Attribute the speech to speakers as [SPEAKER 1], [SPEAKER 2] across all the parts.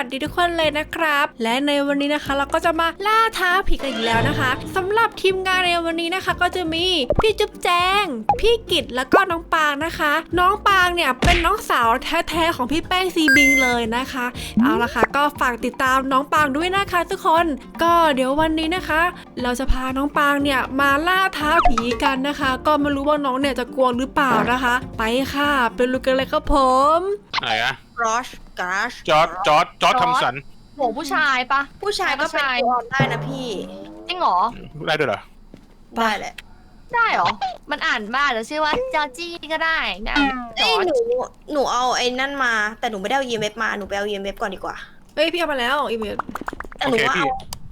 [SPEAKER 1] วัสดีทุกคนเลยนะครับและในวันนี้นะคะเราก็จะมาล่าท้าผีกันอีกแล้วนะคะสำหรับทีมงานในวันนี้นะคะก็จะมีพี่จุ๊บแจงพี่กิตแล้วก็น้องปางนะคะน้องปางเนี่ยเป็นน้องสาวแท้ๆของพี่แป้งซีบิงเลยนะคะเอาละค่ะก็ฝากติดตามน้องปางด้วยนะคะทุกคนก็เดี๋ยววันนี้นะคะ เราจะพาน้องปางเนี่ยมาล่าท้าผีกันนะคะก็ไม่รู้ว่าน้องเนี่ยจะกลัวหรือเปล่านะคะไปค่ะไปลุยกันเลยครับผม
[SPEAKER 2] ไหนอะ
[SPEAKER 3] กรอชกราช
[SPEAKER 2] จอร์จทำสัน
[SPEAKER 4] โหผู้ชายปะ
[SPEAKER 3] ผู้ชายก็เป็นตัวออนได้นะพี่
[SPEAKER 4] จริงเหรอ
[SPEAKER 2] ได้ด้วยเหรอ
[SPEAKER 3] ได้แหละ
[SPEAKER 4] ได้เหรอ มันอ่านมาจะชื่อว่าจอร์จี้ก็ได้นะจ
[SPEAKER 3] เอ้
[SPEAKER 4] อย ร์จ
[SPEAKER 3] หนูเอาไอ้นั่นมา แต่หนูไม่ได้เอา EMF มา หนูไปเอา EMF ก่อนดีกว่า
[SPEAKER 1] เอ้ยพี่เอามาแล้วอีเมล
[SPEAKER 3] แต่
[SPEAKER 2] โอ
[SPEAKER 3] หนู
[SPEAKER 2] เค
[SPEAKER 3] ว่า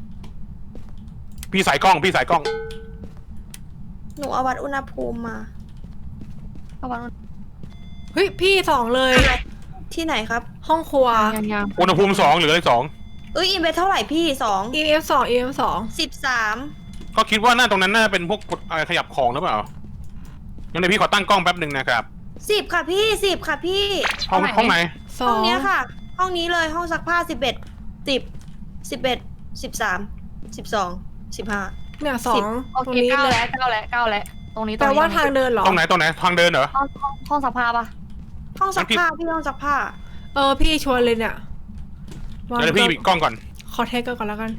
[SPEAKER 2] พี่สายกล้อง
[SPEAKER 3] หนูเอาวัดอุณหภูมิมา
[SPEAKER 4] เอาวัน
[SPEAKER 1] เฮ้ยพี่สองเลย
[SPEAKER 3] ที่ไหนครับ
[SPEAKER 1] ห้องครัว
[SPEAKER 4] ยัง
[SPEAKER 2] อุณหภูมิ2หรืออะไร2
[SPEAKER 3] EMF เท่าไหร่พี่
[SPEAKER 1] EF 2 EF
[SPEAKER 3] 13
[SPEAKER 2] เขาคิดว่าหน้าตรงนั้นน่าเป็นพวกอะไรขยับของหรือเปล่างั้นเดี๋ยวพี่ขอตั้งกล้องแป๊บหนึ่งนะครับ
[SPEAKER 3] 10ค่ะพี่10ค่ะพี่
[SPEAKER 2] ห้องไหน
[SPEAKER 1] 2
[SPEAKER 3] ห้องเนี้ยค่ะ ห้องนี้เลยห้องซักผ้า11 15
[SPEAKER 1] เนี่ยสอง
[SPEAKER 4] โอ
[SPEAKER 1] ตรง
[SPEAKER 4] เค
[SPEAKER 1] นี้
[SPEAKER 4] เก้า
[SPEAKER 1] เลย
[SPEAKER 4] แล้วเก้าแล้วตรงนี้
[SPEAKER 1] แปลว่าทางเดินเหรอ
[SPEAKER 2] ตรงไหนทางเดินเหรอ
[SPEAKER 4] ห้องสภาปะ
[SPEAKER 3] ห้องซักผ้าพี่ห้องซักผ้า
[SPEAKER 1] พี่ชวนเลยเนี่ย
[SPEAKER 2] เดี๋ยวพี่ปิดกล้องก่อน
[SPEAKER 1] ขอเทสก่อนแล้วกัน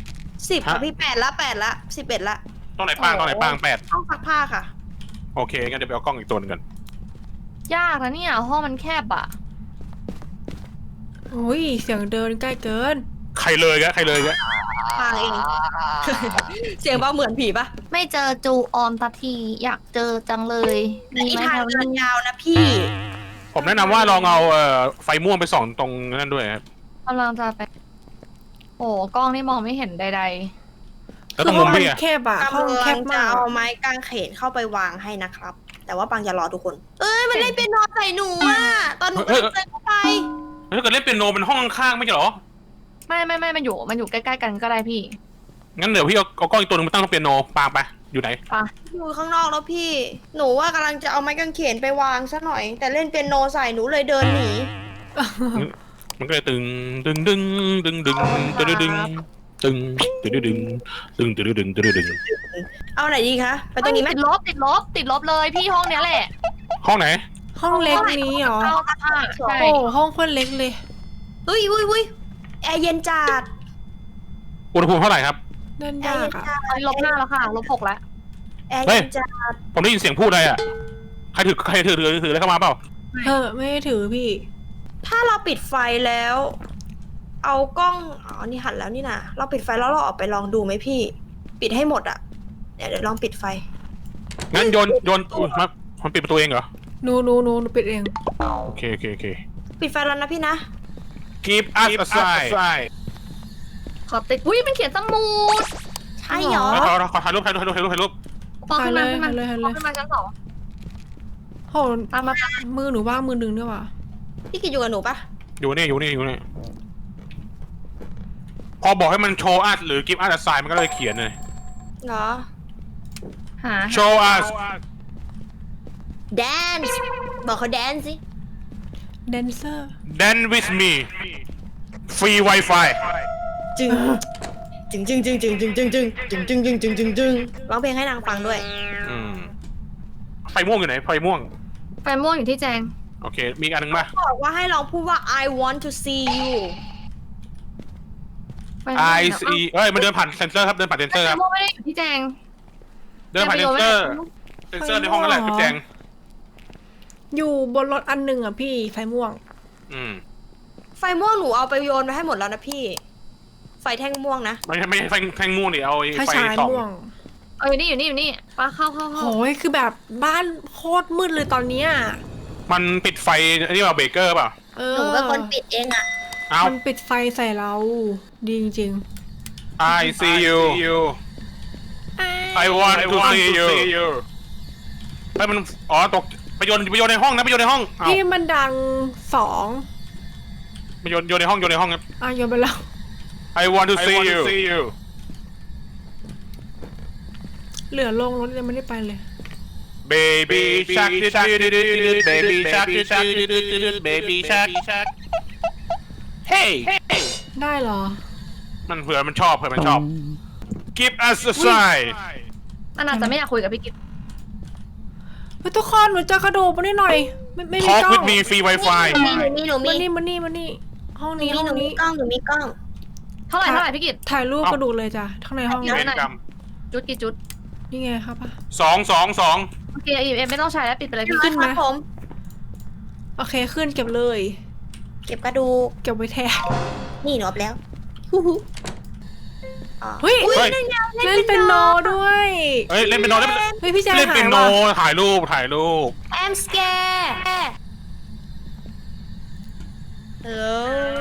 [SPEAKER 3] 10ค่ะพี่8ละ11ละ
[SPEAKER 2] ตรงไหนปาง8
[SPEAKER 3] ห้องซักผ้าค่ะ
[SPEAKER 2] โอเคงั้นเดี๋ยวไปเอากล้องอีกตัวนึงกัน
[SPEAKER 4] ยากนะเนี่ยห้องมันแคบอะ
[SPEAKER 1] โอ้ยเสียงเดินใกล้เกิน
[SPEAKER 2] ใครเลยกะ
[SPEAKER 3] ทางเอง เสียงเบาเหมือนผีปะ
[SPEAKER 4] ไม่เจอจูออนตัทีอยากเจอจังเลย
[SPEAKER 3] แต่
[SPEAKER 4] มี
[SPEAKER 3] อี
[SPEAKER 4] ไหม
[SPEAKER 3] ทาง
[SPEAKER 4] แถว
[SPEAKER 3] เดิน
[SPEAKER 4] นี้
[SPEAKER 3] ยาวนะพี่
[SPEAKER 2] ผมแนะนำว่าลองเอาไฟม่วงไปส่องตรงนั้นด้วยครับ
[SPEAKER 4] กำลังจะไปโอ้กล้องนี่มองไม่เห็นใด
[SPEAKER 2] แล้วตรงมุมพี่
[SPEAKER 1] คือ
[SPEAKER 2] อะ
[SPEAKER 1] แคบอะห้อง
[SPEAKER 3] กำ
[SPEAKER 1] แค
[SPEAKER 3] ลั
[SPEAKER 1] บ
[SPEAKER 3] งจะ
[SPEAKER 1] มาก
[SPEAKER 3] เอาไม้กางเขนเข้าไปวางให้นะครับ แต่ว่าปังอย่ารอทุกคน เอ้ยมันเล่นเปียโนใส่หนูอ่ะ ตอนหนูเดินเข้าไป
[SPEAKER 2] ถ้าเกิดเล่นเปียโนเป็นห้องข้างๆไม่ใช่เหรอ
[SPEAKER 4] ๆไม่มันอยู่ใกล้ๆกันก็ได้พี่
[SPEAKER 2] งั้นเดี๋ยวพี่เอากล้องอีกตัวนึงมาตั้งตรงเปียโนปางไปอยู่ไหน
[SPEAKER 3] อยู่ข้างนอกแล้วพี่ หนูว่ากำลังจะเอาไม้กางเขนไปวางซะหน่อย แต่เล่นเปียโนใส่หนูเลยเดินหนี
[SPEAKER 2] มันก็เลยตึงตึงตึงตึงตึงตึงตึงตึงตึงตึงตึงตึงตึงตึงตึง
[SPEAKER 3] เอาไหนดีคะ ไปตรงนี้ไหม
[SPEAKER 4] ติดลบเลยพี่ห้องเนี้ยแหละ
[SPEAKER 2] ห้องไหน
[SPEAKER 1] ห้องเล็กนี้เหรอ
[SPEAKER 4] เข้าซักผ้าใช่
[SPEAKER 1] โอ้ห้องคนเล็กเลย
[SPEAKER 3] อุ้ยแอร์เย็นจัด
[SPEAKER 2] อุณหภูมิเท่าไหร่ครับ
[SPEAKER 1] นั่น
[SPEAKER 3] แอร์
[SPEAKER 1] ยา
[SPEAKER 3] เย็
[SPEAKER 1] ก
[SPEAKER 3] น
[SPEAKER 1] อะ
[SPEAKER 3] จัด
[SPEAKER 4] ตอนนี้-5แล้วค่ะ-6แล้ว
[SPEAKER 3] แอร์เย็นจัด
[SPEAKER 2] ผมได้ยินเสียงพูดอะไรอ่ะใครถืออะไรเข้ามาเปล่า
[SPEAKER 1] ไม่ได้ถือพี่
[SPEAKER 3] ถ้าเราปิดไฟแล้ว เอากล้อง อ๋อ นี่หันแล้วนี่นะเราปิดไฟแล้วเราออกไปลองดูไหมพี่ ปิดให้หมดอะเดี๋ยวลองปิดไฟ
[SPEAKER 2] งั้นโยนมามันปิดประตูเองเหรอ
[SPEAKER 1] หนูปิดเอง
[SPEAKER 2] โอเค
[SPEAKER 3] ปิดไฟแล้วนะพี่นะ
[SPEAKER 2] Keep us aside
[SPEAKER 4] ขอติดอุ้ยมันเขียนสมุด
[SPEAKER 3] ใช่เหรอ
[SPEAKER 2] ขอถ่ายรูป
[SPEAKER 4] ปองขึ้นมา
[SPEAKER 1] ถ่ายเลย
[SPEAKER 4] ขึ้นมาชั้น
[SPEAKER 1] โห
[SPEAKER 4] 2ตามมา
[SPEAKER 1] มือหนูว่างมือหนึ่งด้วยว่ะ
[SPEAKER 3] พี่กิดอยู่กับหนูปะ
[SPEAKER 2] อยู่นี่พอบอกให้มันโชว์ us หรือ Keep us aside มันก็เลยเขียนเลย
[SPEAKER 3] เหรอ
[SPEAKER 4] หา
[SPEAKER 2] Show us
[SPEAKER 3] dance บอกเขาแดนสิ
[SPEAKER 1] แดนเซอร์
[SPEAKER 2] Dance with me Free Wi-Fi
[SPEAKER 3] จึงร้องเพลงให้นางฟังด้วย
[SPEAKER 2] ไฟม่วงอยู่ไหนไฟม่วง
[SPEAKER 4] ไฟม่วงอยู่ที่แจง
[SPEAKER 2] โอเคมีอีกอันหนึ่งป่ะ
[SPEAKER 3] บอกว่าให้ลองพูดว่า I want to see you
[SPEAKER 4] ไฟม่วง
[SPEAKER 2] I see เอ้ยมันเดินผ่านเซนเซอร์ครับเดินผ่านเซนเซอร์
[SPEAKER 4] ไฟ
[SPEAKER 2] ครับ
[SPEAKER 4] ม่วงไม่ได้อยู่ที่แจง
[SPEAKER 2] เดินผ่านเซนเซอร์ในห้องนั่นแหละพี่แจง
[SPEAKER 1] อยู่บนรถอันหนึ่งอ่ะพี่ไฟม่วง
[SPEAKER 3] ไฟม่วงหนูเอาไปโยนไปให้หมดแล้วนะพี่ ไฟแท่งม่วงนะ
[SPEAKER 2] ไม่ใช่ไฟแท่งม่วงดิเอา
[SPEAKER 1] ถ้า
[SPEAKER 2] ไฟ
[SPEAKER 1] ชาย
[SPEAKER 2] สอง
[SPEAKER 1] ม่วง
[SPEAKER 4] อยู่นี่ปาเข้า
[SPEAKER 1] โหยคือแบบบ้านโคตรมืดเลยตอนเนี้ย
[SPEAKER 2] มันปิดไฟนี่ว่าเบเกอร์ป่ะ
[SPEAKER 3] หนูเป็นคนปิดเองอะ
[SPEAKER 2] เอา
[SPEAKER 1] มันปิดไฟใส่เรา ดีจริง
[SPEAKER 2] I see you I want to see you ไปมันตกไปโยนในห้องนะไปโยนในห้อง
[SPEAKER 1] ๆพี่มันดังสอง
[SPEAKER 2] ไปโยนในห้องครับ
[SPEAKER 1] โยนไปแล้ว
[SPEAKER 2] I want to see you
[SPEAKER 1] เหลือลงรถยังไม่ได้ไปเลย
[SPEAKER 2] Baby shark Baby shark Baby shark Hey
[SPEAKER 1] ได้เหรอ
[SPEAKER 2] มันเผื่อมันชอบGive us a sign
[SPEAKER 4] มันอาจจะไม่อยากคุยกับพี่กิต
[SPEAKER 1] เฮ้ยทุกคนหนูเจอกระดูกมานิดหน่อยไม่มี
[SPEAKER 2] Talk
[SPEAKER 1] กล้อง
[SPEAKER 2] with me free wifi
[SPEAKER 3] หนูมี
[SPEAKER 1] มานี่ห้องนี้
[SPEAKER 3] หนูมีกล้อง
[SPEAKER 4] เท่าไหร่พี่กิต
[SPEAKER 1] ถ่ายรูปกระดูกเลยจ้ะข้างในห้อง
[SPEAKER 4] เดี๋ยว
[SPEAKER 2] เวรกรรม
[SPEAKER 4] จุดกี่จุด
[SPEAKER 1] นี่ไงครับป่ะ
[SPEAKER 2] สอง
[SPEAKER 4] โอเคเอ็มไม่ต้องใช้แล้วปิดไปเลยพี่
[SPEAKER 1] ขึ้นไหม
[SPEAKER 3] ครับผม
[SPEAKER 1] โอเคขึ้นเก็บเลย
[SPEAKER 3] เก็บกระดูก
[SPEAKER 1] เก็บไว้แทน
[SPEAKER 3] นี่หนูเอาแล้ว
[SPEAKER 1] เฮ้ย
[SPEAKER 2] เฮ้ย
[SPEAKER 1] เล่นเป็นโนด้วย
[SPEAKER 2] เฮ้ยเล่นเป็นโน
[SPEAKER 1] เฮ้ยพี่แจ๊ค
[SPEAKER 2] เล่น
[SPEAKER 1] หา
[SPEAKER 2] เป็
[SPEAKER 1] ย
[SPEAKER 2] นโน
[SPEAKER 1] ว่ะ
[SPEAKER 2] ถ่ายรูป
[SPEAKER 3] I'm scared Hello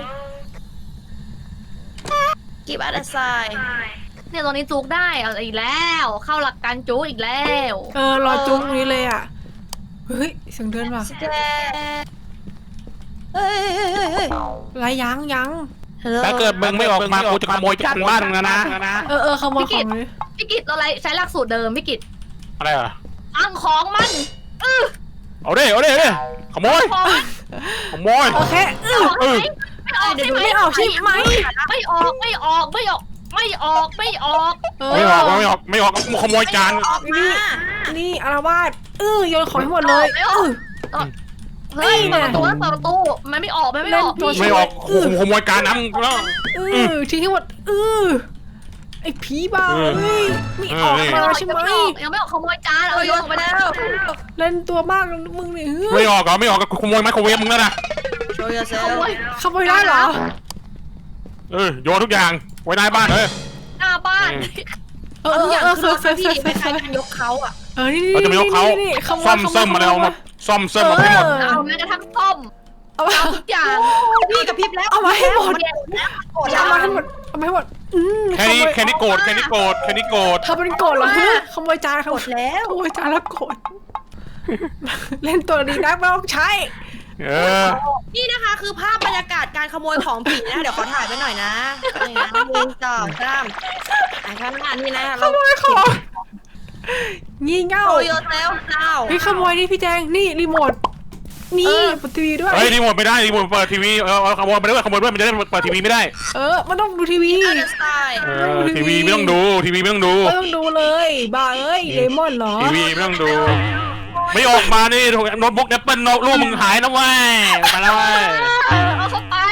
[SPEAKER 3] Give us a sign
[SPEAKER 4] เนี่ยตรงนี้จุกได้เอาอีกแล้ว เข้าหลักการจุกอีกแล้ว
[SPEAKER 1] รอจุ๊บตรงนี้เลยอ่ะเฮ้ยเสียงเดินว่ะ
[SPEAKER 3] Scared เฮ้ย
[SPEAKER 1] ไรยัง
[SPEAKER 3] Hello
[SPEAKER 2] ถ้าเกิดมึงไม่ออกมากูจะขโมยจากบ้านมึงนะ
[SPEAKER 1] ขโมยของเลย
[SPEAKER 4] พี่กิตเราใช้หลักสูตรเดิมพี่กิต
[SPEAKER 2] อะไรอ่ะ
[SPEAKER 4] อังของมัน
[SPEAKER 2] เอาดิขโมย
[SPEAKER 1] โอเค
[SPEAKER 4] ไม่ออกใช่ไหม
[SPEAKER 1] ไม่ออกใช่ไหม
[SPEAKER 4] ไม่ออกไม่ออก
[SPEAKER 2] ไม่ออกขโมยจาน
[SPEAKER 3] ออกมา
[SPEAKER 1] นี่อารวาสโยนของให้หมดเลย
[SPEAKER 4] เฮ้ยเปิดประตูมันไม่ออก
[SPEAKER 2] ไม่ออกขโมยจานน้ำแล้ว
[SPEAKER 1] ทิ้งให้หมดไอ้ผีบ้าเอ้ยไม่ออกมาใช่ไหม
[SPEAKER 4] ยังไม่ออกขโมยจานเอาโยนไปแล้ว
[SPEAKER 1] เล่นตัวมากมึงเนี่ย
[SPEAKER 2] ไม่ออกขโมยไมโครเวฟมึงแล้วนะ
[SPEAKER 3] Show
[SPEAKER 4] ข
[SPEAKER 3] yourself
[SPEAKER 4] โมย
[SPEAKER 1] ขโมยได้เหรอ
[SPEAKER 2] โยนทุกอย่างไว้ในบ้าน
[SPEAKER 4] หน้าบ้าน
[SPEAKER 3] ทุกอย่างคือรถ
[SPEAKER 1] เฟ
[SPEAKER 3] พี่คล้ายๆการยกเขาอ่ะ
[SPEAKER 1] นี่
[SPEAKER 2] เราจะไม่ยกเขาซ่อมเสริมมาแล้วซ่อมเสริมมาให้หมด
[SPEAKER 4] เอาแม้กระทั่งส้ม
[SPEAKER 1] เอา
[SPEAKER 4] เอาทุกอย่าง
[SPEAKER 3] พี่กับพริบแล้ว
[SPEAKER 1] เอามาให้หมด
[SPEAKER 3] โกรธ
[SPEAKER 1] เอามาให้หมด
[SPEAKER 2] แค่นี้โกรธ
[SPEAKER 1] ทำเป็นโกรธเหรอขโมยจาน
[SPEAKER 3] โกรธแล้ว
[SPEAKER 1] ขโมยจานแล้วโกรธเล่นตัวดีนักไม่ต้องใช้
[SPEAKER 3] นี่นะคะคือภาพบรรยากาศการขโมยของผีนะเดี๋ยวขอถ่ายไปหน่อยนะนี่นะมือจ่อข้ามข้างหน้านี่นะ
[SPEAKER 1] ขโมยของงี่เง่า
[SPEAKER 3] โชว์โยเซลเจ้า
[SPEAKER 1] นี่ขโมยนี่พี่แจงนี่รีโมทนี่เปิดทีวีด้วย
[SPEAKER 2] เฮ้ยรีโมทไม่ได้รีโมทเปิดทีวีขโมยไปด้วยมันจะได้เปิดทีวีไม่ได้
[SPEAKER 1] มันต้องดูทีวี
[SPEAKER 3] สไตล์
[SPEAKER 2] ทีวีไม่ต้องดู
[SPEAKER 1] ไม่ต้องดูเลยบ้าเอ้ยเลมอนเหรอ
[SPEAKER 2] ทีวีไม่ต้องดูไม่ออกมานี่โน้ตบุ๊กแอปเปิลลูกมึงหายนะเว้ยมาแล้วเว้ย
[SPEAKER 4] เอาเข้าไป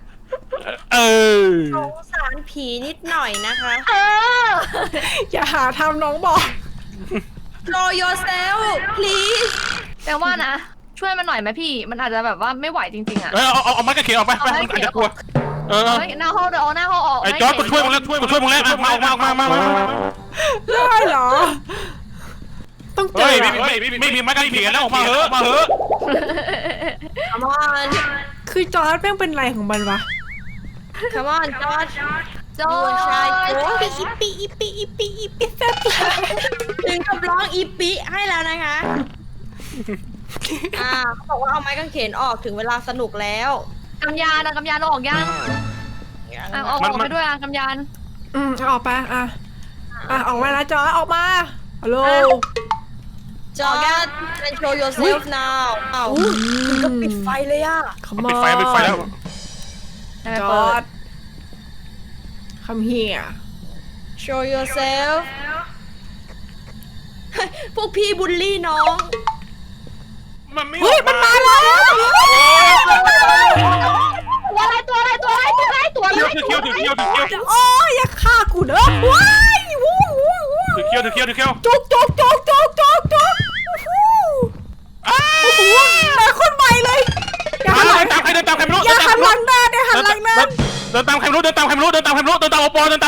[SPEAKER 3] สงสารผีนิดหน่อยนะคะ
[SPEAKER 1] อย่าหาทำน้องบอก
[SPEAKER 3] Show yourself please
[SPEAKER 4] แต่ว่านะ ช่วยมันหน่อยไหมพี่ มันอาจจะแบบว่าไม่ไหวจริงๆอ่ะ
[SPEAKER 2] เอาไม้กระเขียนออกไปมันอาจจะกลัว
[SPEAKER 4] หน้าห้องเดี๋ยวเอาหน้าห้องออก
[SPEAKER 2] ไอ้จอร์จกูช่วยมึงแล้วมา
[SPEAKER 1] ได้เหรอต้องเจ
[SPEAKER 2] เฮ้ย
[SPEAKER 1] อ
[SPEAKER 2] ไม่มีไม้กระเขียนแล้วออกมาเหอะ
[SPEAKER 3] Come on
[SPEAKER 1] คือจอร์จแม่งเป็นไรของมันวะ
[SPEAKER 3] Come on George
[SPEAKER 4] โจ้
[SPEAKER 1] อีปีแซ่บ
[SPEAKER 3] ถึงกับร้องอีปิให้แล้วนะคะเขาบอกว่าเอาไม้กางเขนออกถึงเวลาสนุกแล้ว
[SPEAKER 4] กำยานออกยังออกไปด้วยกำยาน
[SPEAKER 1] ออกไปออกมาแล้วจอร์จออกมาฮัลโหล
[SPEAKER 3] George and show yourself now ถึงกับปิดไฟเลยอ่ะ
[SPEAKER 2] ปิดไฟแล้ว
[SPEAKER 1] จอร์จCome here
[SPEAKER 3] Show yourself พวกพี่บูลลี่น้อง
[SPEAKER 1] เฮ้ยมันมาแล้ว
[SPEAKER 4] ตัวอะไร
[SPEAKER 2] เคี้ยว
[SPEAKER 1] โอ้ยอย่าฆ่ากูเด้อว้ายวู้
[SPEAKER 2] เคี้ยว
[SPEAKER 1] จุกโอ้โหแต่คนใหม่เลยอย่าหันหลัง
[SPEAKER 2] ตามใครเดินตามใครไม่รู้
[SPEAKER 1] อย่าหันหลังหน้าอย่าหันหลังหน้า
[SPEAKER 2] เดินตามใครไม่รู้เดินตามโอปอต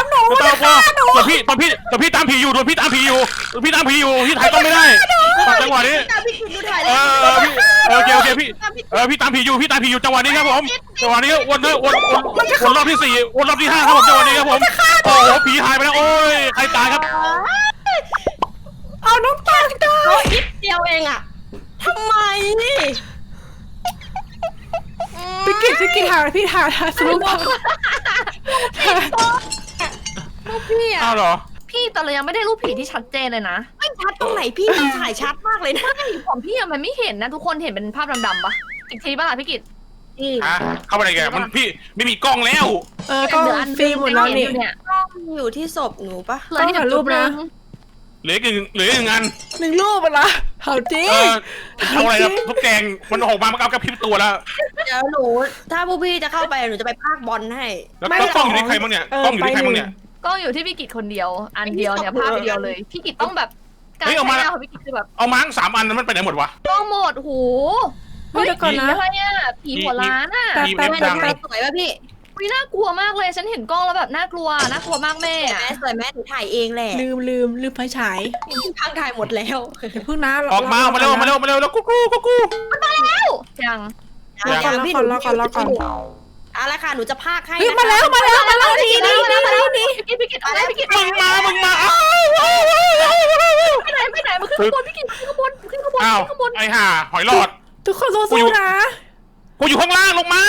[SPEAKER 2] อนพี่ตามผีอยู่พี่ถ่ายต้องไม่ได้จังหวะนี้
[SPEAKER 3] พี่กินดูถ่ายเลย
[SPEAKER 2] โอเคพี่ตามผีอยู่จังหวะนี้ครับผมจังหวะนี้วนรอบที่4วนรอบที่5ครับผมจังหวะนี้ครับผมโอ้โหผีหายไปแล้วโอ้ยใครตายครับ
[SPEAKER 1] เอาน้องปางตาย
[SPEAKER 3] เขาอิดเดียวเองอ่ะทำไมนี่
[SPEAKER 1] พี่กินหาพี่หาสรุป
[SPEAKER 3] ลูกพี่อ่ะ
[SPEAKER 2] อ้าวเหรอ
[SPEAKER 4] พี่แต่เรายังไม่ได้รูปผีที่ชัดเจนเลยนะ
[SPEAKER 3] ไม่ชัดตรงไหนพี่มันถ่ายชัดมากเลยนะ
[SPEAKER 4] ของพี่มันไม่เห็นนะทุกคนเห็นเป็นภาพดำๆปะอีกทีป่ะล่ะพี่กิต
[SPEAKER 3] พี่
[SPEAKER 2] เข้าไปไหนแกมันพี่ไม่มีกล้องแล้ว
[SPEAKER 1] ก็ฟรีหมดแล้วนี่
[SPEAKER 3] กล้องอยู่ที่ศพหนูปะ
[SPEAKER 4] เหลือที่
[SPEAKER 1] ถ่ายรูปนะ
[SPEAKER 2] เหลืออีกงาน
[SPEAKER 1] 1 รูปอะละเอาจริง
[SPEAKER 2] เอาอะไรครับทุกแกงมันออกมามันเอากระพริบตัวแล้ว
[SPEAKER 3] เดี๋ยวหนูถ้าพวกพี่จะเข้าไปหนูจะไปพากบอลให้
[SPEAKER 2] แล้วกล้องอยู่ที่ใครบ้างเนี่ยกล้องอยู่ที่ใครบ้างเนี่ย
[SPEAKER 4] กล้องอยู่ที่พี่กิตคนเดียว อันเดียวเนี่ยภาพเดียวเลยพี่กิตต้องแบบการ
[SPEAKER 2] เฮ้ย
[SPEAKER 4] ใช้
[SPEAKER 2] เอามา
[SPEAKER 4] งานของพี่กิตคือแบบ
[SPEAKER 2] เอามาทั้ง3 อันนั้นมันไปไหนหมดวะ
[SPEAKER 4] กล้องหมดหู
[SPEAKER 1] เฮ้ยเดี๋ยวก่อนนะ
[SPEAKER 4] อะไรเนี่ยผีหัวล้านอ่ะ
[SPEAKER 1] แต่
[SPEAKER 2] แป๊บ
[SPEAKER 3] แม่หนูสวยป่ะพี่
[SPEAKER 4] วิน่ากลัวมากเลยฉันเห็นกล้องแล้วแบบน่ากลัวมากแม่
[SPEAKER 3] แม่สวยแม่หนูถ่ายเองแหละ
[SPEAKER 1] ลืมไฟฉาย
[SPEAKER 3] ทางถ่ายหมดแล้ว
[SPEAKER 1] เดี๋ยวพึ่งนะ
[SPEAKER 2] ออกมาเร็วแล้วกู
[SPEAKER 4] ยัง
[SPEAKER 1] รอก่อน
[SPEAKER 3] เอาละค่ะหนูจะพากให้
[SPEAKER 1] เฮ้ยมาแล้วดี
[SPEAKER 4] พี่กิตอะไรพี่กิต
[SPEAKER 2] มึงมาอ้าว
[SPEAKER 4] ไปไหนมันขึ้นข้างบนพี่กิตขึ้นข้างบน
[SPEAKER 2] อ้าวไอ้ห่าหอยหลอด
[SPEAKER 1] ทุกคนสู้ๆนะ
[SPEAKER 2] กูอยู่ข้างล่างลงมา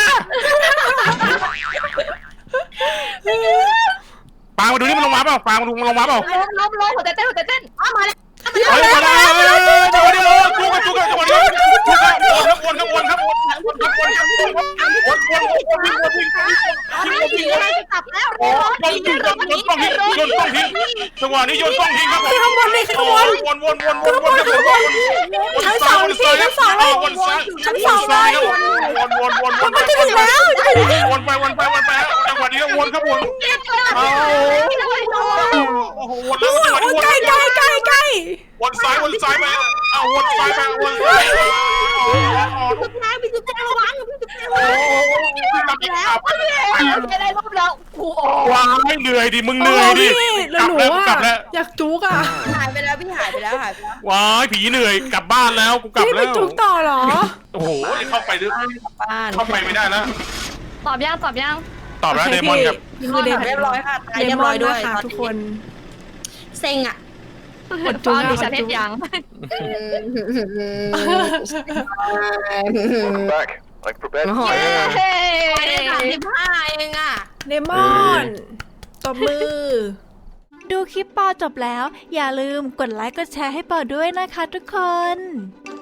[SPEAKER 2] ปางมาดูนี่มันลงมาเปล่าปางมาดูมันลงมาเปล่า
[SPEAKER 4] ล้มหัวใจเต้น
[SPEAKER 3] มาแล้ว
[SPEAKER 2] เฮ้ยมาแล้วจังหวะนี้จุกจังหวะนี้วน
[SPEAKER 3] กลับแล้ว
[SPEAKER 2] โจังหวะนี้โยนกล้องทิ้งครับผม
[SPEAKER 1] ข้างบนนี่ข้างบน
[SPEAKER 2] วนไปจังหวะนี้วนครับวนโอ้โหวนแล้วจังหวะนี้วน
[SPEAKER 1] ใกล้
[SPEAKER 2] วนซ้ายไปวนซ้าย
[SPEAKER 3] ทุกนายพี่จุ๊บแจงระวังพี่จุ๊บแจงระ
[SPEAKER 2] โอ้
[SPEAKER 3] วัง
[SPEAKER 2] กลับแล้ว
[SPEAKER 4] ไม่ได้รอบแล้วกูออก
[SPEAKER 2] ว้ายเหนื่อยดิมึงเหนื่อยดิ
[SPEAKER 1] แล้วหนู
[SPEAKER 2] กลับแล้ว
[SPEAKER 1] อยากจุกอ่ะ
[SPEAKER 3] หายไปแล้วพี่หายไปแล้ว
[SPEAKER 2] ว้ายผีเหนื่อยกลับบ้านแล้วกูกลับ
[SPEAKER 1] พี่ไป
[SPEAKER 2] แล้ว
[SPEAKER 1] จุกต่อเหรอ
[SPEAKER 2] โอ้โหเข้าไปดึก
[SPEAKER 3] บ้าน
[SPEAKER 2] เข้าไปไม่ได้แล้ว
[SPEAKER 4] ตอบยัง
[SPEAKER 2] ตอบแล้วเดมอนกับ
[SPEAKER 1] คือเด
[SPEAKER 3] เรียบร้อยค่ะตาย
[SPEAKER 1] เด
[SPEAKER 3] เรียบ
[SPEAKER 1] ม
[SPEAKER 3] ร้
[SPEAKER 1] อ
[SPEAKER 3] อน ยด้วย
[SPEAKER 1] นะคะทุกคน
[SPEAKER 3] เซ็งอ่ะ
[SPEAKER 4] ฟ้าดิฉันเห็นยัง
[SPEAKER 5] Back, like for bed.
[SPEAKER 3] โอ้โห
[SPEAKER 4] เย้
[SPEAKER 3] ไม่ได้35เองอ่ะ
[SPEAKER 1] เดมอนตบมือ
[SPEAKER 6] ดูคลิปปอจบแล้ว อย่าลืมกดไลค์กดแชร์ให้ปอด้วยนะคะทุกคน